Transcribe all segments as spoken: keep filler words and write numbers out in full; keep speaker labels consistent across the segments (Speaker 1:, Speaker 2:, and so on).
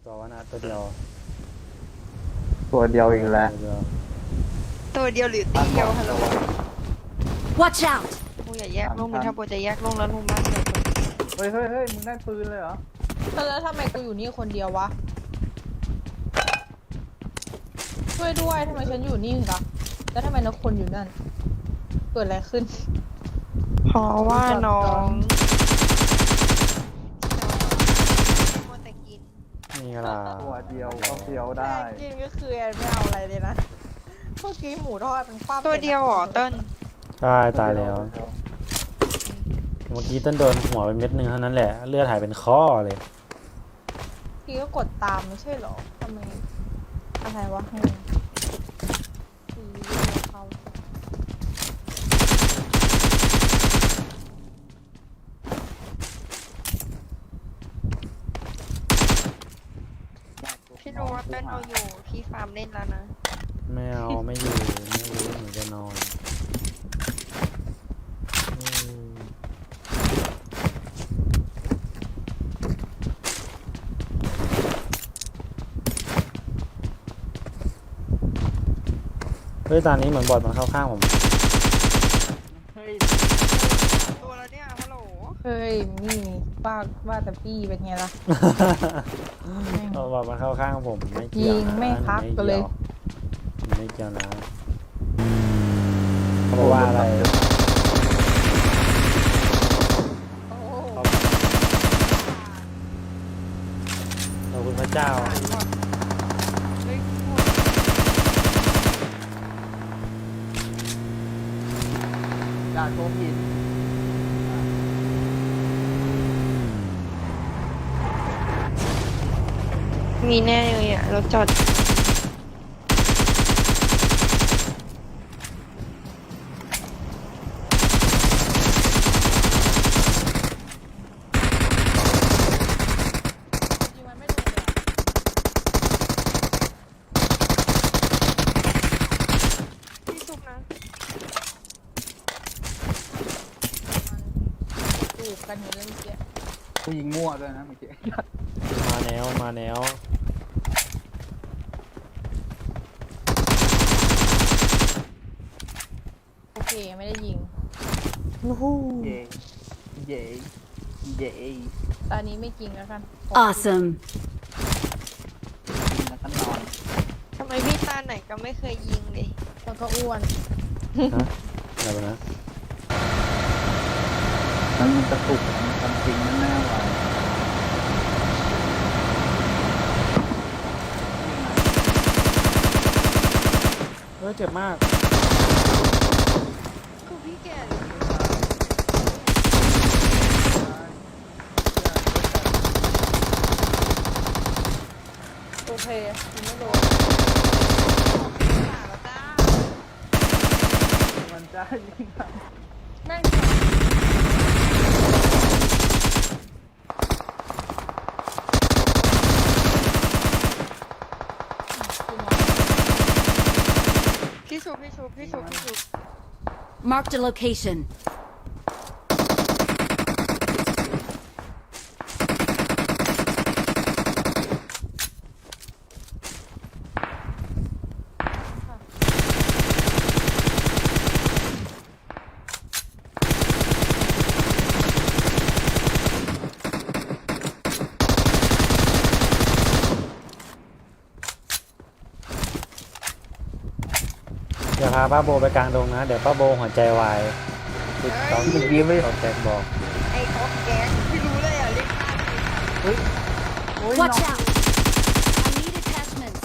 Speaker 1: ตัววะนะตัวเดียว
Speaker 2: ตัวเดียวอีกแล้ว
Speaker 1: ตัวเดียว
Speaker 3: ตัวเดียวหรือตีเดียวฮัลโหล
Speaker 4: Watch out!
Speaker 3: มูอย่าแยกลงมันถ้าโบจะแยกลงแล้วลงบ้านเลย
Speaker 2: เฮ้ยเฮ้ยเฮ้ยมึงได้ปืนเลยเหรอ
Speaker 5: แล้วทำไมกูอยู่นี่คนเดียววะ ช่วยด้วยทำไมฉันอยู่นี่ล่ะแล้วทำไมนักคนอยู่นั่น เกิดอะไรขึ้น
Speaker 3: เพราะว่าน้องมัวแต่กิน
Speaker 1: นี่ล่ะ
Speaker 2: ตัวเดียวก็เฟี้ยวได้
Speaker 5: กินก็คือแอนไม่เอาอะไรเลยนะเมื่อกี้หมูทอดมันคว่ำ
Speaker 3: ตัวเดียวเหรอเติ้ล
Speaker 1: ใช่ตายแล้วเมื่อกี้ต้นโดนหัวไปเม็ดหนึ่งเท่านั้นแหละเลือดหายเป็นข้อเลย
Speaker 5: พี่ก็กดตามไม่ใช่เหรอทำไมอะไรวะให้สีเขา
Speaker 3: พี่รู้ว่าเติ้ลเอาอยู่พี่ฟาร์มเล่นแล้วนะ
Speaker 1: ไม่เอาไม่อยู่ไม่รู้หนูจะนอนอืมเฮ้ยตอนนี้เหมือนบอดมันเข้าข้างผม
Speaker 3: ตัวแล้วเนี่ยฮัลโหล
Speaker 5: เฮ้ยนี่ว่าว่าแต่พี่เป็นไงล่ะ
Speaker 1: เอาบอดมันเข้าข้างผมไม่เกี่ยว
Speaker 5: ยิง
Speaker 1: นะ
Speaker 5: ไม่พักกันเลย
Speaker 1: ไม่เกี่ยวนะเขาบอกว่าอะไร
Speaker 5: โอ้
Speaker 1: ขอบคุณพระเจ้า
Speaker 3: เฮ้ย
Speaker 2: อย่าโชว์ผิด
Speaker 3: มีแน่เลยอ่ะรถจอดพี่ซุปนะ
Speaker 5: จูบกันอยู่เรื่องเมื่อกี้
Speaker 2: กูยิงมั่วด้วยนะเมื่อกี้
Speaker 1: มาแนวมาแนว
Speaker 5: โอเคไม่ได้ยิง
Speaker 2: เย่เย่เย่
Speaker 5: ตอนนี้ไม่จริงแล้วกัน
Speaker 4: Awesome.
Speaker 2: ยิงแล้วก็นอน
Speaker 3: ทำไมพี่ตาไหนก็ไม่เคยยิงเลย
Speaker 5: แล้วก็อ้วน
Speaker 1: ฮะอะไรวะนะ
Speaker 2: แล้วมันกระตุกมันทำจริงมันแน่วะ
Speaker 1: เฮ้ยเจ็บมาก
Speaker 3: คือพี่แก่
Speaker 5: โอเคยิงไม่โดน
Speaker 2: มันจะยิง
Speaker 5: แม่ง
Speaker 3: พี่ซุปพี่ซุปพี่ซุปพี่ซุป
Speaker 4: Marked a location.
Speaker 1: อย่าพาป้าโบไปกลางดงนะ เดี๋ยวป้าโบหัวใจวายติดต้อง
Speaker 2: เมื่อกี้ไม่
Speaker 1: เขาแจ็คบอก
Speaker 3: ไอ้ออกแก๊สพี่รู้เลยอ่ะเรียกข้าม
Speaker 2: เฮ้ยโอ้ย
Speaker 4: Watch
Speaker 2: น้อง
Speaker 4: out! I need attachments.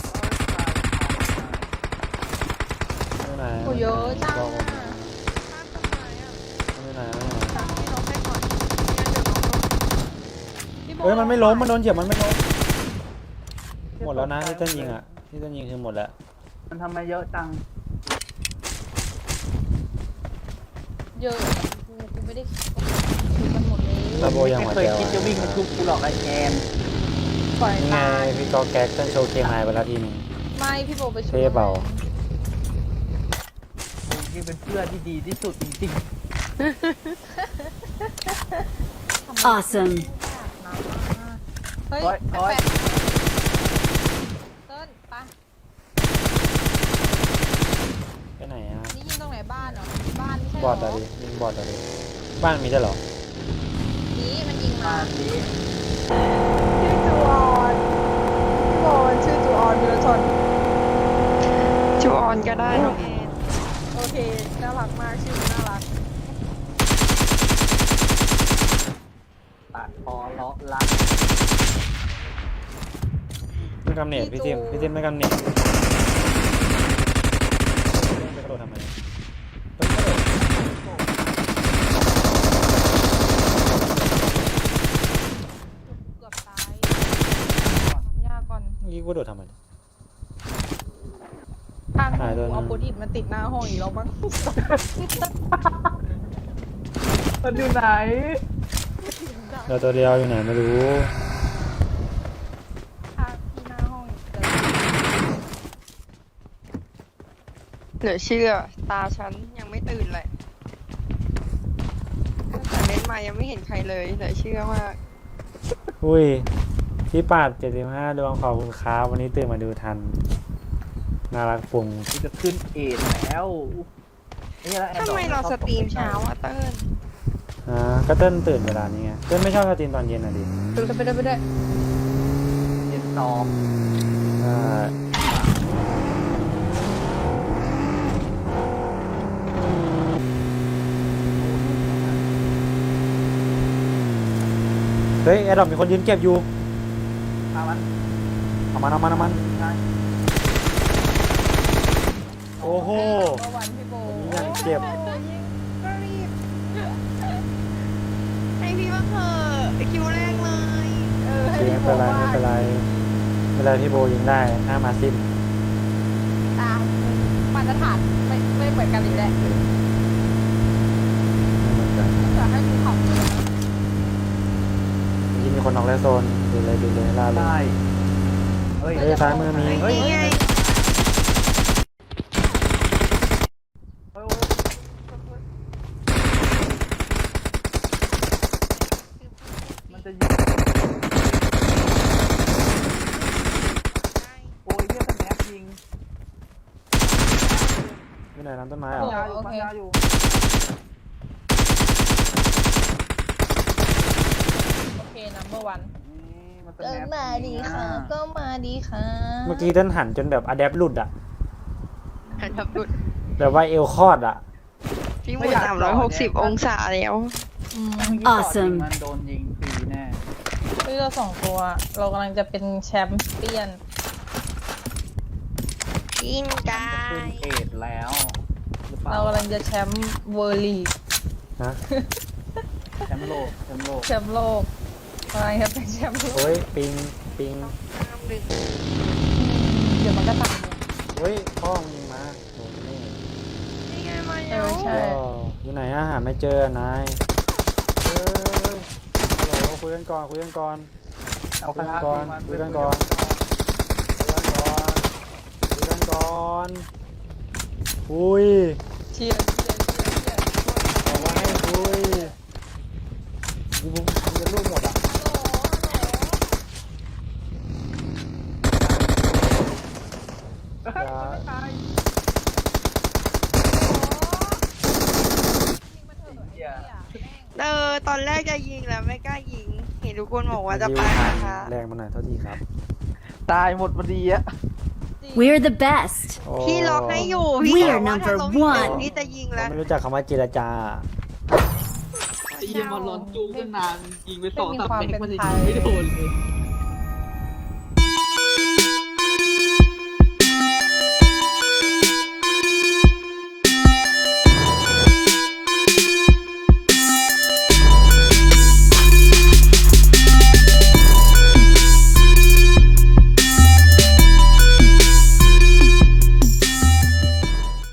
Speaker 1: ไม่ไหน
Speaker 5: กูเยอะจัง
Speaker 1: บอกผม
Speaker 5: อะ
Speaker 3: ข้ามต้นไม้อ่ะ
Speaker 1: ไม่ไหนไม่ไหน
Speaker 3: ข้ามพี่น้องไปก่อนงั้นเดี๋ยวน้องลง
Speaker 5: พี่โบ
Speaker 1: เฮ้ยมันไม่ล้มมันโดนเหยียบมันไม่ล้มหมดแล้วนะที่ต้นยิงอ่ะที่ต้นยิงคือหมดแล้ว
Speaker 2: มันทำไมเยอะจัง
Speaker 5: เยอะกูกูไม่ได้ถือมันหมดเลย
Speaker 1: ป้าโบยังหัว
Speaker 2: เค
Speaker 1: ใจ
Speaker 2: ยว
Speaker 1: า
Speaker 2: คิดจะวิ่งมาทุบกูหรอกไอ้แอน
Speaker 5: ปล่อย
Speaker 1: นี่ไง
Speaker 5: ตาย
Speaker 1: พี่กอแก๊กต้นโชว์เคมายไปแล้วทีนึง
Speaker 5: ไม่พี่โบไปช่วย
Speaker 1: เท่เปล่า
Speaker 2: กูนี่เป็นเพื่อนที่ดีที่สุดจริง
Speaker 5: ทำไม
Speaker 4: Awesome.
Speaker 5: เฮ้ย
Speaker 2: โอ๊ยโอ๊ย
Speaker 5: แปลก
Speaker 1: บอดเลยบ้านมีได้วยเหรอ
Speaker 5: นี่มันยิง
Speaker 2: มา
Speaker 5: มา
Speaker 2: สิ
Speaker 5: ชื่อจูออนพี่โบนชื่อจูออนวิรชน
Speaker 3: จูออนก็ได้น้องเอ็น
Speaker 5: โอเคน่ารักมากชื่อน่ารัก
Speaker 2: ตัดคอเลาะลัก
Speaker 1: ไม่กำเนิดพี่จิมพี่จิมไม่กำเนิดไปกระโดดทำไม
Speaker 5: เกือบตายทำยากก่อน
Speaker 1: เมื่อกี้กูกระโดดทำไม
Speaker 5: ทาง
Speaker 1: หายตัวนึง
Speaker 5: เอาโพดิตมาติดหน้าห้องอีกแล้วมั้ง
Speaker 2: มันอยู่ไหน
Speaker 1: เราตัวเดียวอยู่ไหนไม่รู้
Speaker 5: ทางที่หน้าห้องอีกแล้ว
Speaker 3: เหลือเชื่อตาฉันยังไม่ตื่นเลยตั้งแต่เล่นมายังไม่เห็นใครเลยเหลือเชื่อมาก
Speaker 1: อุ้ยพี่ปาดเจ็ดสิบห้าดวงขอบคุณครับวันนี้ตื่นมาดูทันน่ารักฟุ้ง
Speaker 2: กูจะขึ้นเอ็ดแล้วนี่แล้วแอน
Speaker 3: ทำไมเราสตรีมเช้าอะเติ้ล
Speaker 1: อ่าก็เต้นตื่นเวลานี้ไงเต้นไม่ชอบสตรีมตอนเย็นอ่ะดิ
Speaker 5: ดูไปได้ไปได้
Speaker 2: เย็นสอง
Speaker 1: อ่าเฮ้ยแอดดอปมีคนยืนเก็บอยู่
Speaker 2: อามัน
Speaker 1: เอามันเอามันเอามัน
Speaker 2: ใช่
Speaker 1: โอ้โห
Speaker 5: เมื่อวันพี่โบ
Speaker 1: นี่ยังเจ็บ
Speaker 5: ก็รีบ
Speaker 3: ให้พี่บ้างเถอะคิวแรกเลย
Speaker 5: เออให้
Speaker 1: ไม่
Speaker 5: พี่โบ
Speaker 1: เป็นไร
Speaker 5: ว่า
Speaker 1: ไม่เป็นไรไม่เป็นไรพี่โบยิงได้หน้ามาซิม
Speaker 5: ตามมาตรฐานไม่ไม่เหมือนกันอีกแหละ
Speaker 1: ไม่เหมือนกัน
Speaker 5: จะให้ดูเขาเลย
Speaker 1: ยิงมีคนนอกแล้วโซนดูเลยดูเลยล่าเลย
Speaker 2: ได้เฮ้ย
Speaker 1: เฮ้ยซ้ายมือมี
Speaker 3: เฮ้ยนี่ไง
Speaker 2: เฮ้ย มันจะยิงโอ้ยเฮียสแนปยิง
Speaker 1: ไม่ไหนน้ำต้นไม้
Speaker 2: ปั
Speaker 1: เหร
Speaker 2: ญ
Speaker 1: อ
Speaker 2: ญาอยู่ปัญญาอยู่
Speaker 5: โอเคนัมเบอร์วัน
Speaker 2: นี่มันส
Speaker 5: ก็
Speaker 2: แนป
Speaker 5: มาดีค่ะ ก็มาดีค่ะ
Speaker 1: เมื่อกี้เต้นหันจนแบบอะแดปหลุดอะ
Speaker 3: หันทับดุด
Speaker 1: แบบว่าเอวคอดอะ
Speaker 3: พี่หมุนสามร้อยหกสิบองศาแล้ว
Speaker 5: อืม
Speaker 2: เมื่อกี้ต่อยิง
Speaker 4: Awesome
Speaker 2: มันโดนยิงฟรีแน่
Speaker 5: เฮ้ยเราสองตัว เรากำลังจะเป็นแชมป์เปี้ยน
Speaker 3: กินกา
Speaker 2: ขึ้น
Speaker 3: ย
Speaker 2: เอ็ดแล้วหรือเปล่า
Speaker 5: เรากำลังจะแชมป์เวอร์ลีก
Speaker 1: ฮะ
Speaker 2: แชมป์โลกแชมป์โลก
Speaker 5: แชมป์โลกอะไรครับเป็นแชมป์โลก
Speaker 1: โอ้ยปิงปิง
Speaker 3: ห้ามดึง
Speaker 5: เดี๋ยวมันก็ตามเลย
Speaker 1: เฮ้ยพ่อมึงยิงมาโอ้นี่
Speaker 3: นี่ไงมา
Speaker 5: เอ
Speaker 3: แล้ว
Speaker 5: อใช่
Speaker 1: โอ้อยู่ไหนอะหาไม่เจอนายเฮ้ยฮัลโหลคุยกันก่อนคุยกันก่อน
Speaker 2: เอาคณะ
Speaker 1: คุยกันก่อนคุยกันก่อน คุยกันก่อนคุยกันก่อนคุย
Speaker 5: เชียร์เชียร์เชียร์เชียร์
Speaker 1: บอกว่าให้คุยมึงมึงจะลูกหมดอ่ะ
Speaker 5: ฮัลโหลฮัลโหล
Speaker 2: เฮ้ยไม่ตาย
Speaker 5: ยิงมาเถอะ
Speaker 2: เหี้ย
Speaker 3: เออตอนแรกจะยิงแล้วไม่กล้ายิง เห็นทุกคนบอกว่าจะไปนะคะ
Speaker 1: แรงมาหน่อยเท่าที่ครับ
Speaker 2: ตายหมดพอดีอะ
Speaker 4: We're the best.
Speaker 1: โอ้
Speaker 3: พี่ล็อกให้อยู่ พี่
Speaker 4: We
Speaker 3: บ
Speaker 4: are
Speaker 3: อกว่าถ้า
Speaker 4: number
Speaker 3: ล้มอีกหนึ่ง
Speaker 4: one
Speaker 3: พี่จะยิง
Speaker 1: เรา
Speaker 3: แล้ว
Speaker 1: ไม่รู้จักคำว่าเจรจา
Speaker 2: ไอ้เหี้ยมันร้อนจู้กันนานยิงไปสองสาม
Speaker 5: ไม่มีความ
Speaker 2: เมต
Speaker 5: เป็
Speaker 2: ร
Speaker 5: น
Speaker 2: มันจะ
Speaker 5: ไท
Speaker 2: ยิ
Speaker 5: ย
Speaker 2: งไม่โดนเลย